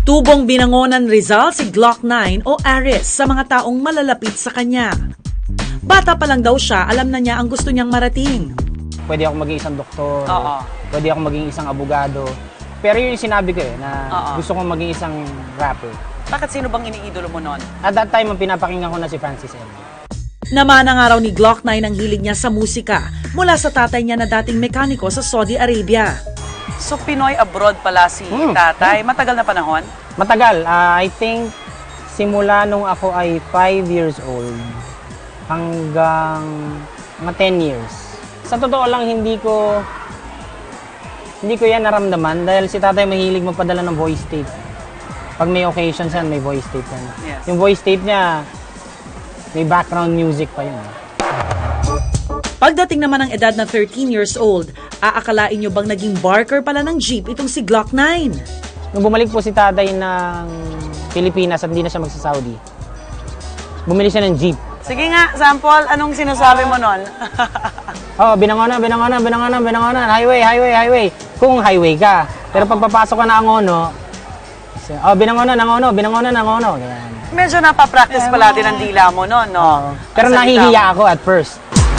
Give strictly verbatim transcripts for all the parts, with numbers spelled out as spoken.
Tubong binangonan Rizal si Glock nine o Aris sa mga taong malalapit sa kanya. Bata pa lang daw siya, alam na niya ang gusto niyang marating. Pwede ako maging isang doktor, Oo. pwede ako maging isang abogado. Pero yun yung sinabi ko eh, na Oo. gusto kong maging isang rapper. Bakit sino bang iniidolo mo nun? At that time, ang pinapakinggan ko na si Francis M. Namanang araw ni Glock nine ang hilig niya sa musika mula sa tatay niya na dating mekaniko sa Saudi Arabia. So, Pinoy abroad pala si Hmm. tatay. Matagal na panahon? Matagal, ah, I think simula nung ako ay five years old hanggang mga ten years. Sa totoo lang, hindi ko hindi ko yan naramdaman dahil si tatay mahilig magpadala ng voice tape. Pag may occasions yan, may voice tape yan. Yes. Yung voice tape niya, may background music pa yun. Pagdating naman ng edad na thirteen years old, aakalain niyo bang naging barker pala ng jeep itong si Glock nine? Nung bumalik po si tatay ng Pilipinas at hindi na siya magsa-Saudi, bumili siya ng jeep. Sige nga, sample, anong sinasabi mo nun? Oh, binangonan, binangonan, binangonan, binangonan, highway, highway, highway. Kung highway ka. Pero pag papasok ka na Angono, oh, binangonan, Angono, binangonan, Angono. Ganyan. Medyo napapractice pala din ang dila mo nun, no? Pero Ang salita nahihiya mo. ako at first.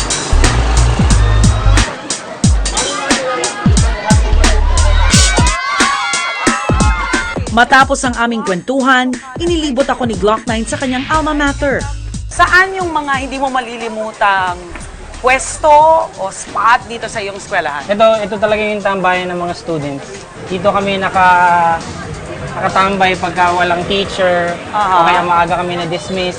Matapos ang aming kwentuhan, inilibot ako ni Glock nine sa kanyang alma mater. Saan yung mga hindi mo malilimutang pwesto o spot dito sa iyong eskwelahan? Ito, ito talaga yung tambayan ng mga students. Dito kami naka, nakatambay pagka walang teacher, Aha. o kaya maaga kami na-dismiss.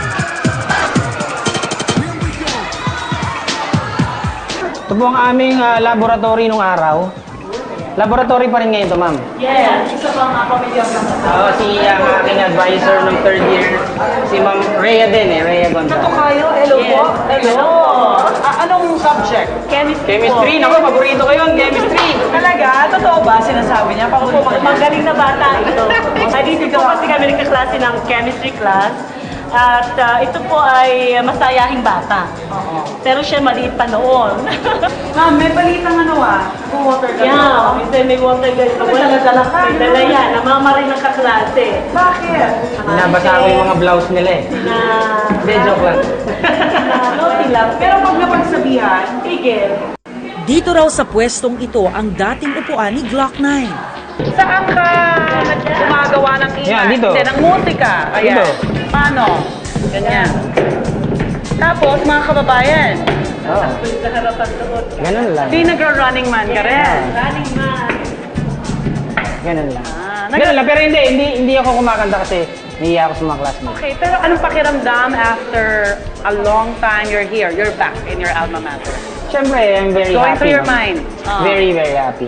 Ito po ang aming ah, laboratory nung araw. Laboratory pa rin ngayon ito, ma'am. Yes, isa pang ako medyo Oo, si uh, ang aking advisor ng third year, si Ma'am Rhea din eh, Rhea Gonzalez. kayo, hello po. Hello. Ah, anong subject? Chemistry. Chemistry, naku, paborito ko yun, chemistry. Talaga? Totoo ba? Sinasabi niya? Paano po Magaling na bata ito. Ay, dito po kasi kami nagkaklase ng chemistry class. At ah, ito po ay masayahing bata. Oo. Pero siya maliit pa noon. Ma'am, may balitang ano ah. Water gun. yeah, minsan may water gun. May dala-dala ka, May dala yan. Namama rin ng kaklase. Bakit? Binabasa ko yung mga blouse nila eh. Na... Hindi, joke lang. na naughty lang. Pero pag napagsabihan, Tigil. Dito raw sa pwestong ito ang dating upuan ni Glock nine. saan ka gumagawa ng ingay? Yan, dito. Hindi, ng musika. Ayan. Dito. Paano? Ganyan. Tapos, mga kababayan, Oo, Sa harapan doon. ganun lang. di nagra-running man ka rin. Running man. Ganun lang. Ah, nag- Ganun lang, pero hindi, hindi, hindi ako kumakanta kasi nahiya ako sa mga classmates. Okay, pero anong pakiramdam after a long time you're here, you're back in your alma mater? Siyempre, I'm very Going happy. through your no? mind. Ah. Very, very happy.